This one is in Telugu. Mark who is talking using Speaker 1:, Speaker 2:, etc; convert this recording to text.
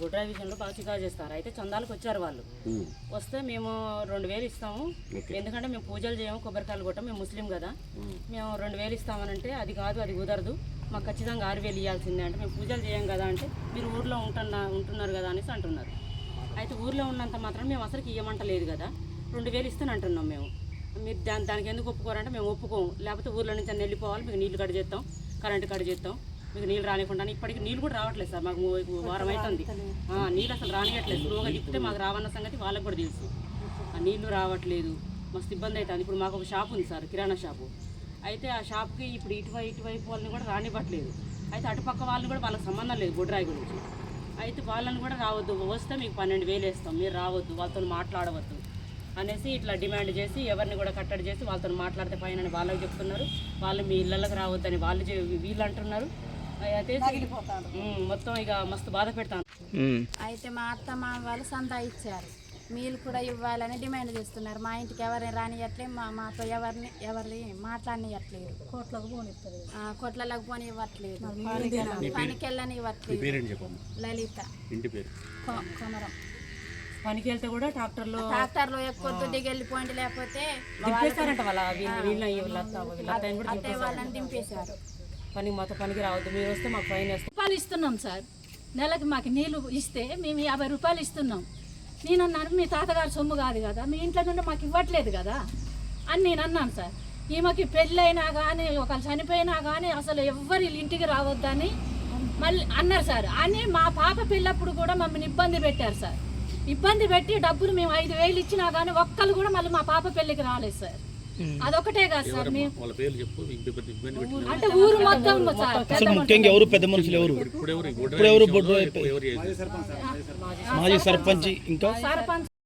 Speaker 1: బొడ్రాయి విషయంలో బాగా చికాకు చేస్తారు. అయితే చందాలకు వచ్చారు వాళ్ళు. వస్తే మేము 2000 ఇస్తాము, ఎందుకంటే మేము పూజలు చేయము, కొబ్బరికాయలు కొట్టాము, మేము ముస్లిం కదా, మేము 2000 ఇస్తామనంటే అది కాదు, అది కుదరదు, మాకు ఖచ్చితంగా 6000 ఇవ్వాల్సిందే అంటే, మేము పూజలు చేయం కదా అంటే, మీరు ఊర్లో ఉంటున్నారు కదా అనేసి అంటున్నారు. అయితే ఊర్లో ఉన్నంత మాత్రం మేము అసలుకి ఇవ్వమంటలేదు కదా, 2000 ఇస్తాను అంటున్నాం మేము. మీరు దానికి ఎందుకు ఒప్పుకోరంటే మేము ఒప్పుకోము, లేకపోతే ఊర్లో నుంచి అన్ని వెళ్ళిపోవాలి, మీకు నీళ్లు కట్ చేస్తాం, కరెంటు కట్ చేస్తాం, మీకు నీళ్ళు రానికుండా. ఇప్పటికి నీళ్ళు కూడా రావట్లేదు సార్, మాకు వారం అవుతుంది, నీళ్ళు అసలు రానియట్లేదు. స్లోగా తిప్పితే మాకు రావన్న సంగతి వాళ్ళకి కూడా తెలుసు. ఆ నీళ్లు రావట్లేదు, మస్తు ఇబ్బంది అవుతుంది. ఇప్పుడు మాకు ఒక షాప్ ఉంది సార్, కిరాణా షాపు. అయితే ఆ షాప్కి ఇప్పుడు ఇటువైపు వాళ్ళని కూడా రానివ్వట్లేదు. అయితే అటుపక్క వాళ్ళని కూడా వాళ్ళకి సంబంధం లేదు బొడ్రాయి గురించి. అయితే వాళ్ళని కూడా రావద్దు, వస్తే మీకు 12,000 వేస్తాం, మీరు రావద్దు, వాళ్ళతో మాట్లాడవద్దు అనేసి ఇట్లా డిమాండ్ చేసి ఎవరిని కూడా కట్టడి చేసి వాళ్ళతో మాట్లాడితే పైన వాళ్ళకి చెప్తున్నారు. వాళ్ళు మీ ఇళ్ళకి రావద్దని వీళ్ళు అంటున్నారు. అయితే మొత్తం ఇక మస్తు బాధ పెడతాను.
Speaker 2: అయితే మా అత్త మా వాళ్ళు సందా ఇచ్చారు, మీరు కూడా ఇవ్వాలని డిమాండ్ చేస్తున్నారు. మా ఇంటికి ఎవరిని రానియట్లేదు, మాతో ఎవరిని మాట్లాడనియట్లేదు, కోట్లకు పోని ఇవ్వట్లేదు, పనికి వెళ్ళని ఇవ్వట్లేదు. లలిత కొమరం.
Speaker 1: పనికి వెళ్తే కూడా
Speaker 2: ట్రాక్టర్లో ఎక్కువ దిగెళ్ళిపోయింది, లేకపోతే వాళ్ళని దింపేశారు.
Speaker 1: మాతో పనికి రావద్దు, మీరు వస్తే మాకు ఫైన్ వేస్తాం.
Speaker 3: రూపాయలు ఇస్తున్నాం సార్, నెలకి మాకు నీళ్ళు ఇస్తే మేము 50 రూపాయలు ఇస్తున్నాం. నేను అన్నాను, మీ తాతగారు సొమ్ము కాదు కదా, మీ ఇంట్లో నుండి మాకు ఇవ్వట్లేదు కదా అని నేను అన్నాను సార్. ఈమెకి పెళ్ళైనా కానీ ఒకళ్ళు చనిపోయినా కానీ అసలు ఎవ్వరి ఇంటికి రావద్దని మళ్ళీ అన్నారు సార్. అని మా పాప పెళ్ళప్పుడు కూడా మమ్మల్ని ఇబ్బంది పెట్టారు సార్. ఇబ్బంది పెట్టి డబ్బులు మేము 5,000 ఇచ్చినా కానీ ఒక్కళ్ళు కూడా మళ్ళీ మా పాప పెళ్ళికి రాలేదు సార్. అదొకటే కాదు సార్, అంటే ఊరు మొత్తం
Speaker 4: ముఖ్యంగా ఎవరు పెద్ద మనుషులు ఎవరు మాజీ సర్పంచ్ ఇంకా
Speaker 3: సర్పంచ్